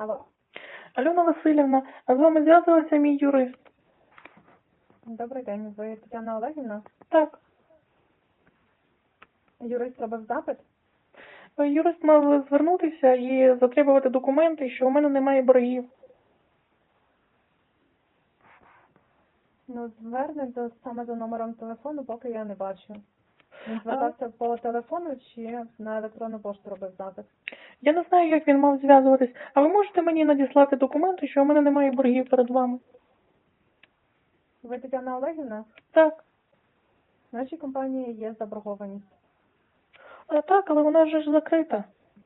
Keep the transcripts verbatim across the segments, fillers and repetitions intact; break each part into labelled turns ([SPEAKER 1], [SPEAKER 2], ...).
[SPEAKER 1] Алло,
[SPEAKER 2] Альона Васильівна, а з вами зв'язувався мій юрист?
[SPEAKER 1] добрий день. Ви Тетяна Олегівна?
[SPEAKER 2] Так.
[SPEAKER 1] Юрист робив запит?
[SPEAKER 2] Юрист мав звернутися і затребувати документи, що у мене немає боргів.
[SPEAKER 1] Ну, звернень до, саме за номером телефону, поки я не бачу. Він звертався по телефону чи на електронну пошту робив запит?
[SPEAKER 2] Я не знаю, як він мав зв'язуватись, а ви можете мені надіслати документи, що у мене немає боргів перед вами?
[SPEAKER 1] Ви Тетяна Олегівна?
[SPEAKER 2] Так.
[SPEAKER 1] В нашій компанії є заборгованість.
[SPEAKER 2] А, так, але вона ж закрита.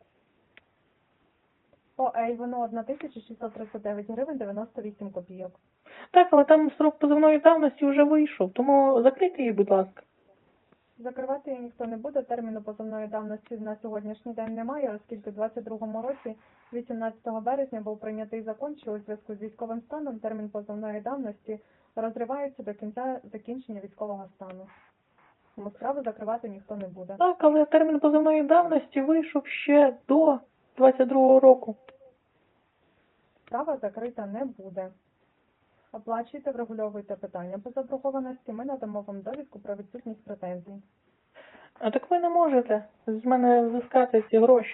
[SPEAKER 1] По Ейвону одна тисяча шістсот тридцять дев'ять гривень дев'яносто вісім копійок.
[SPEAKER 2] Так, але там срок позовної давності вже вийшов, тому закрийте її, будь ласка.
[SPEAKER 1] Закривати її ніхто не буде, терміну позовної давності на сьогоднішній день немає, оскільки в двадцять другому році, вісімнадцятого березня, був прийнятий закон, що у зв'язку з військовим станом термін позовної давності розривається до кінця закінчення військового стану. Тому справу закривати ніхто не буде.
[SPEAKER 2] Так, але термін позовної давності вийшов ще до двадцять другого року.
[SPEAKER 1] Справа закрита не буде. Оплачуйте, врегульовуйте питання по заборгованості, ми надамо вам довідку про відсутність претензій.
[SPEAKER 2] А так ви не можете з мене взискати ці гроші.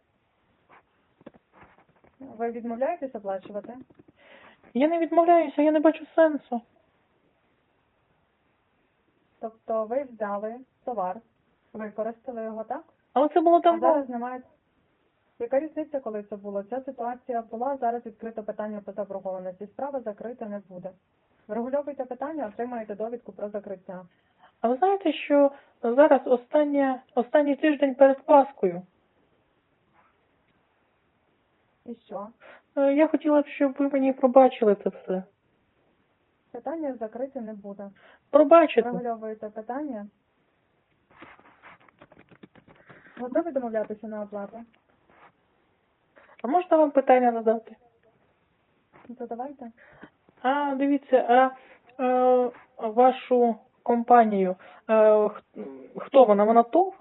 [SPEAKER 1] Ви відмовляєтесь оплачувати?
[SPEAKER 2] Я не відмовляюся, я не бачу сенсу.
[SPEAKER 1] Тобто ви взяли товар, використали його, так?
[SPEAKER 2] Але це було
[SPEAKER 1] А
[SPEAKER 2] давно.
[SPEAKER 1] зараз немає. Яка різниця, коли це було? Ця ситуація була, зараз відкрито питання по заборгованості. Справа закрита не буде. Врегульовуйте питання, отримаєте довідку про закриття.
[SPEAKER 2] А ви знаєте, що зараз остання, останній тиждень перед Паскою?
[SPEAKER 1] І що?
[SPEAKER 2] Е, Я хотіла б, щоб ви мені пробачили це все.
[SPEAKER 1] Питання закрите не буде.
[SPEAKER 2] Пробачите.
[SPEAKER 1] Врегульовуєте питання. Готові домовлятися на оплату?
[SPEAKER 2] А можна вам питання задати?
[SPEAKER 1] Задавайте.
[SPEAKER 2] А, дивіться, а е, вашу компанію, е, х- хто вона? Вона ТОВ?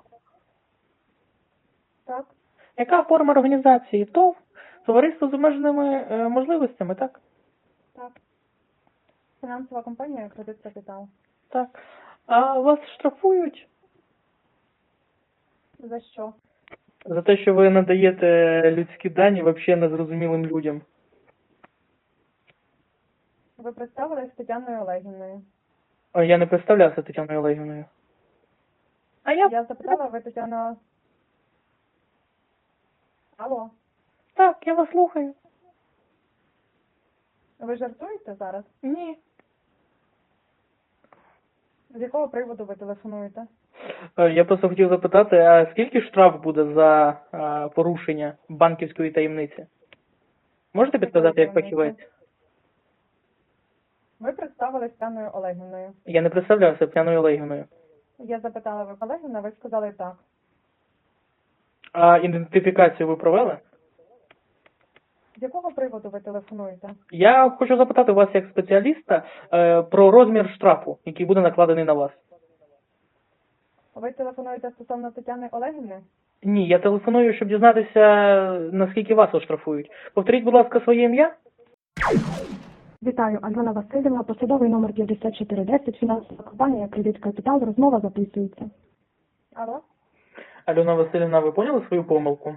[SPEAKER 1] Так,
[SPEAKER 2] Яка форма організації? ТОВ? Товариство з обмеженими е, можливостями, так?
[SPEAKER 1] так. Фінансова компанія «Кредит Капітал».
[SPEAKER 2] Так. А вас штрафують
[SPEAKER 1] За що?
[SPEAKER 2] за те, що ви надаєте людські дані взагалі незрозумілим людям?
[SPEAKER 1] Ви представились Тетяною Олегівною.
[SPEAKER 2] А я не представлявся Тетяною Олегівною. А я...
[SPEAKER 1] Я запитала, ви Тетяна... Алло,
[SPEAKER 2] Так, я вас слухаю.
[SPEAKER 1] ви жартуєте зараз?
[SPEAKER 2] Ні.
[SPEAKER 1] З якого приводу ви телефонуєте?
[SPEAKER 2] Е, Я просто хотів запитати, а скільки штраф буде за е, порушення банківської таємниці? Можете підказати як
[SPEAKER 1] таємниці?
[SPEAKER 2] фахівець?
[SPEAKER 1] Ви представились Тетяною Олегівною.
[SPEAKER 2] Я не представлявся Тетяною Олегівною.
[SPEAKER 1] Я запитала, ви Олегівна, ви сказали так.
[SPEAKER 2] А ідентифікацію ви провели?
[SPEAKER 1] З якого приводу ви телефонуєте?
[SPEAKER 2] Я хочу запитати вас як спеціаліста е, про розмір штрафу, який буде накладений на вас.
[SPEAKER 1] Ви телефонуєте стосовно Тетяни Олегівни?
[SPEAKER 2] Ні, я телефоную, щоб дізнатися, наскільки вас оштрафують. Повторіть, будь ласка, своє ім'я.
[SPEAKER 3] Вітаю, Альона Васильівна, посадовий номер п'ятдесят чотири десять, фінансова компанія «Кредит Капітал», розмова записується.
[SPEAKER 1] Алло?
[SPEAKER 2] Альона Васильівна, ви поняли свою помилку?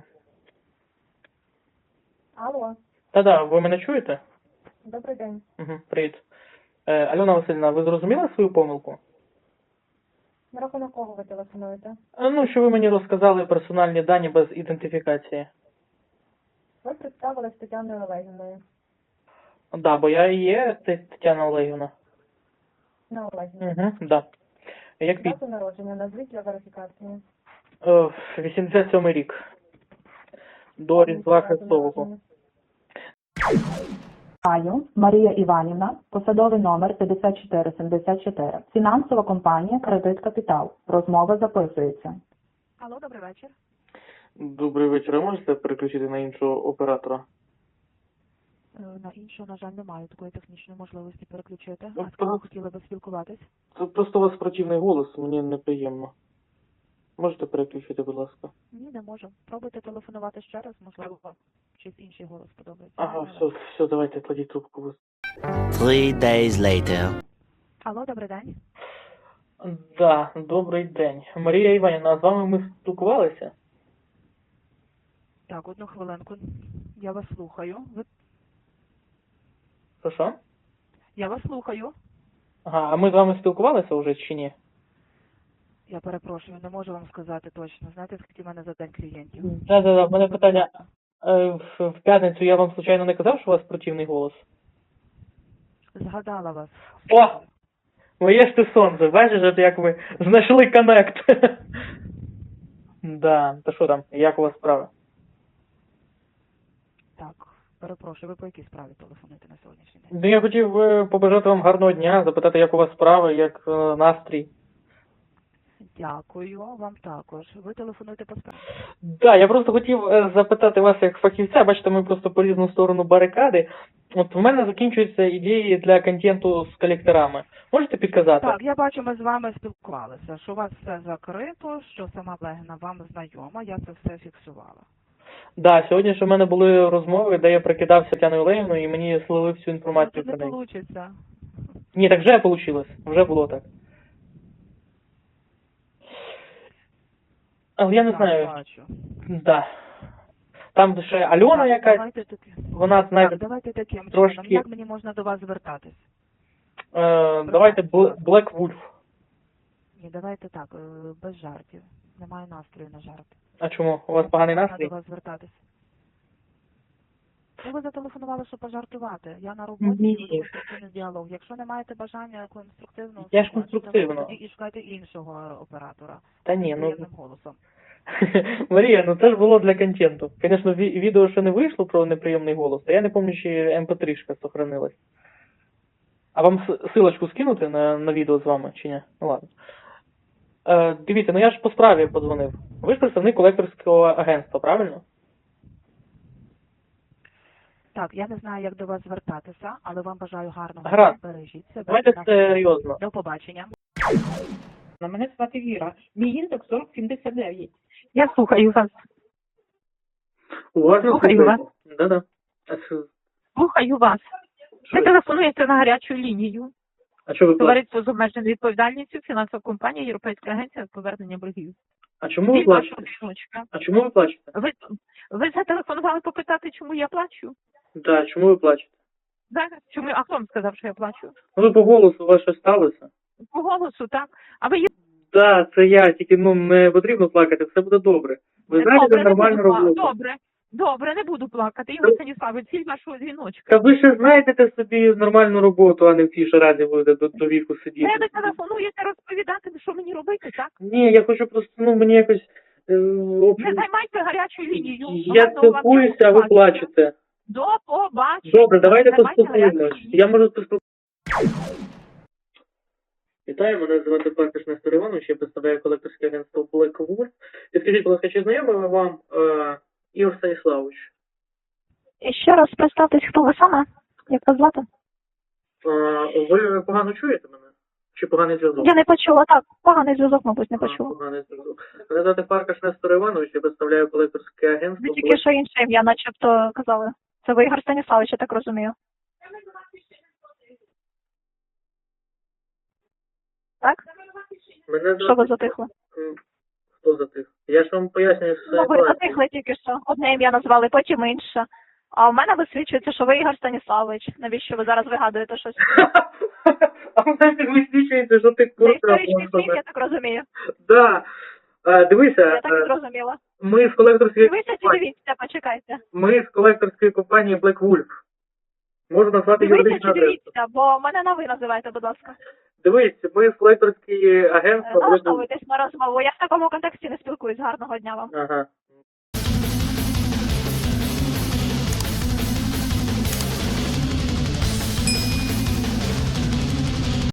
[SPEAKER 1] Алло,
[SPEAKER 2] Та-да, ви мене чуєте?
[SPEAKER 1] добрий день.
[SPEAKER 2] Угу, привіт. Е, Альона Васильівна, ви зрозуміли свою помилку?
[SPEAKER 1] На рахунок кого ви телефонуєте?
[SPEAKER 2] А, Ну, що ви мені розказали персональні дані без ідентифікації.
[SPEAKER 1] Ви представились Тетяною Олегівною.
[SPEAKER 2] Да, бо я і є Те- Тетяна Олегівна.
[SPEAKER 1] На Олегівну.
[SPEAKER 2] Угу, да. Як під...
[SPEAKER 1] Дату народження назвіть для верифікації.
[SPEAKER 2] Е, вісімдесят сьомий рік. До Різдва
[SPEAKER 1] Дату
[SPEAKER 2] Христового.
[SPEAKER 1] народження.
[SPEAKER 3] Вітаю, Марія Іванівна, посадовий номер п'ятдесят чотири сімдесят чотири, фінансова компанія «Кредит Капітал», розмова записується.
[SPEAKER 1] Алло, добрий вечір.
[SPEAKER 2] Добрий вечір. А можете переключити на іншого оператора?
[SPEAKER 4] На іншу, на жаль, немає такої технічної можливості переключити.
[SPEAKER 2] Ну,
[SPEAKER 4] А з ким ви
[SPEAKER 2] так.
[SPEAKER 4] хотіли би спілкуватись?
[SPEAKER 2] Це просто у вас противний голос, мені неприємно. Можете переключити, будь ласка?
[SPEAKER 4] Ні, не можу. Пробуйте телефонувати ще раз, можливо, щось інший голос подобається.
[SPEAKER 2] Ага, все, все, давайте кладіть трубку.
[SPEAKER 5] Three days later.
[SPEAKER 4] Алло, добрий день.
[SPEAKER 2] Да, добрий день. Марія Іванівна, з вами ми спілкувалися?
[SPEAKER 4] Так, одну хвилинку. Я вас слухаю. Ви...
[SPEAKER 2] Що, що?
[SPEAKER 4] Я вас слухаю.
[SPEAKER 2] Ага, а ми з вами спілкувалися вже чи ні?
[SPEAKER 4] Я перепрошую, не можу вам сказати точно. Знаєте, скільки в мене за день клієнтів?
[SPEAKER 2] Да, да, да, в мене питання. Е, В, в п'ятницю я вам случайно не казав, що у вас противний голос?
[SPEAKER 4] Згадала вас.
[SPEAKER 2] О! Моє ж ти сонце, бачиш, от як ви знайшли коннект. Да, то що там, як у вас справа?
[SPEAKER 4] Так, перепрошую, ви по якій справі телефонуєте на сьогоднішній день?
[SPEAKER 2] Ну, я хотів е, побажати вам гарного дня, запитати, як у вас справа, як е, настрій.
[SPEAKER 4] Дякую, вам також. Ви телефонуєте по справі?
[SPEAKER 2] Да, я просто хотів е, запитати вас як фахівця, бачите, ми просто по різну сторону барикади. От в мене закінчуються ідеї для контенту з колекторами. Можете підказати?
[SPEAKER 4] Так, я бачу, ми з вами спілкувалися, що у вас все закрито, що сама Блегіна вам знайома, я це все фіксувала.
[SPEAKER 2] Да, сьогодні ж у мене були розмови, де я прикидався Тетяною Олегівною і мені слили всю
[SPEAKER 4] Ну,
[SPEAKER 2] інформацію
[SPEAKER 4] тут
[SPEAKER 2] про
[SPEAKER 4] не
[SPEAKER 2] неї.
[SPEAKER 4] вийде.
[SPEAKER 2] Ні, так вже вийшло, вже було так. Але я не знаю,
[SPEAKER 4] бачу.
[SPEAKER 2] да. Там ще Альона
[SPEAKER 4] Так,
[SPEAKER 2] якась,
[SPEAKER 4] давайте таки.
[SPEAKER 2] вона,
[SPEAKER 4] Так,
[SPEAKER 2] знаєте,
[SPEAKER 4] давайте таким
[SPEAKER 2] трошки-
[SPEAKER 4] чином. Як мені можна до вас звертатись?
[SPEAKER 2] е, давайте Бл- Black Wolf.
[SPEAKER 4] Ні, давайте так, е, без жартів. Немає настрою на жарти.
[SPEAKER 2] А чому? У вас поганий
[SPEAKER 4] Можна
[SPEAKER 2] настрій?
[SPEAKER 4] до вас звертатись. Ну, ви зателефонували, щоб пожартувати. Я на роботі
[SPEAKER 2] Ні.
[SPEAKER 4] і веду конструктивний діалог. Якщо не маєте бажання конструктивного
[SPEAKER 2] Я ж
[SPEAKER 4] спілкуватися,
[SPEAKER 2] конструктивно.
[SPEAKER 4] тоді і шукайте іншого оператора.
[SPEAKER 2] Та ні,
[SPEAKER 4] з
[SPEAKER 2] ну...
[SPEAKER 4] приємним голосом.
[SPEAKER 2] Марія, ну це ж було для контенту. Звісно, ві- відео ще не вийшло про неприємний голос, а я не пам'ятаю, чи ем пі три-шка сохранилась. А вам с- силочку скинути на, на відео з вами, чи ні? Ну ладно. Е, дивіться, ну я ж по справі подзвонив. Ви ж представник колекторського агентства, правильно?
[SPEAKER 4] Так, я не знаю, як до вас звертатися, але вам бажаю гарного
[SPEAKER 2] Гаразд.
[SPEAKER 4] дня. Бережіть себе.
[SPEAKER 2] Давайте
[SPEAKER 4] На все
[SPEAKER 2] серйозно.
[SPEAKER 4] До побачення.
[SPEAKER 6] На мене звати Віра. Мій індекс сорок сімдесят дев'ять.
[SPEAKER 7] Я слухаю вас.
[SPEAKER 2] Уважно
[SPEAKER 7] Слухаю
[SPEAKER 2] слухайте.
[SPEAKER 7] вас.
[SPEAKER 2] Да-да. А що-
[SPEAKER 7] Слухаю вас.
[SPEAKER 2] що
[SPEAKER 7] Ви
[SPEAKER 2] ви?
[SPEAKER 7] телефонуєте на гарячу лінію.
[SPEAKER 2] А що ви плачете?
[SPEAKER 7] Товариство з обмеженою відповідальністю, фінансова компанія, Європейська агенція з повернення боргів.
[SPEAKER 2] А чому ви
[SPEAKER 7] Від вашого
[SPEAKER 2] плачете?
[SPEAKER 7] дзвіночка.
[SPEAKER 2] А чому ви плачете?
[SPEAKER 7] Ви, ви зателефонували попитати, чому я плачу?
[SPEAKER 2] Да, чому ви плачете?
[SPEAKER 7] Так? Чому? А хто вам сказав, що я плачу?
[SPEAKER 2] Ну ви по голосу у вас щось сталося?
[SPEAKER 7] По голосу, так? А ви є...
[SPEAKER 2] Да, це я, тільки ну не потрібно плакати, все буде добре. Ви знаєте
[SPEAKER 7] добре, не
[SPEAKER 2] нормальну
[SPEAKER 7] буду пла-
[SPEAKER 2] роботу.
[SPEAKER 7] Добре, добре, не буду плакати. Ігор Станіславович, ціль вашого дзвіночка.
[SPEAKER 2] Та ви ще знайдете собі нормальну роботу, а не в цій шараді будете до, до віку сидіти.
[SPEAKER 7] Ви телефонуєте розповідати, що мені робити, так?
[SPEAKER 2] Ні, я хочу просто, ну мені якось е, об...
[SPEAKER 7] Не займайте гарячу лінію.
[SPEAKER 2] я
[SPEAKER 7] Гарного вам
[SPEAKER 2] спілкуюся,
[SPEAKER 7] дня,
[SPEAKER 2] а ви
[SPEAKER 7] побачення.
[SPEAKER 2] плачете.
[SPEAKER 7] До побачення.
[SPEAKER 2] Добре, давайте
[SPEAKER 7] Не займайте гарячу
[SPEAKER 2] поспілкуємось.
[SPEAKER 7] лінію.
[SPEAKER 2] Я можу поспілкуватися. Вітаю, мене звати Паркаш Нестор Іванович, я представляю колекторське агентство Black Wolf. І скажіть, будь ласка, чи знайомий вам е, Ігор Станіславович?
[SPEAKER 8] І ще раз представтесь, хто ви саме? Як вас звати?
[SPEAKER 2] Е, ви погано чуєте мене? Чи поганий зв'язок?
[SPEAKER 8] Я не почула. Так, поганий зв'язок, мабуть, не
[SPEAKER 2] А,
[SPEAKER 8] почула.
[SPEAKER 2] поганий зв'язок. Мене звати Паркаш Нестор Іванович, я представляю колекторське агентство
[SPEAKER 8] Ви тільки що інше ім'я начебто казали. Це ви Ігор Станіславович, я так розумію. Так?
[SPEAKER 2] Мене
[SPEAKER 8] Що ви затихли?
[SPEAKER 2] М, Хто затих? Я ж вам пояснюю все.
[SPEAKER 8] Ну, ви затихли тільки що. Одне ім'я назвали, потім інше. А в мене висвічується, що ви Ігор Станіславович. Навіщо ви зараз вигадуєте щось?
[SPEAKER 2] А в мене висвічується, що ти
[SPEAKER 8] Це
[SPEAKER 2] курка.
[SPEAKER 8] історичний фільм, я так розумію.
[SPEAKER 2] Да. Е, Дивися,
[SPEAKER 8] Я так і
[SPEAKER 2] е,
[SPEAKER 8] зрозуміла.
[SPEAKER 2] ми з колекторської
[SPEAKER 8] Дивіться чи
[SPEAKER 2] компанії,
[SPEAKER 8] дивіться, почекайте.
[SPEAKER 2] ми з колекторської компанії Black Wolf. Можу назвати
[SPEAKER 8] Дивіться
[SPEAKER 2] юридичну
[SPEAKER 8] чи
[SPEAKER 2] адресу.
[SPEAKER 8] дивіться, бо мене на ви називайте, будь ласка.
[SPEAKER 2] Дивись, ми з колекторської агентства Black Wolf.
[SPEAKER 8] Налаштовуйтесь на розмову. Я в такому контексті не спілкуюсь. Гарного дня вам.
[SPEAKER 2] Ага.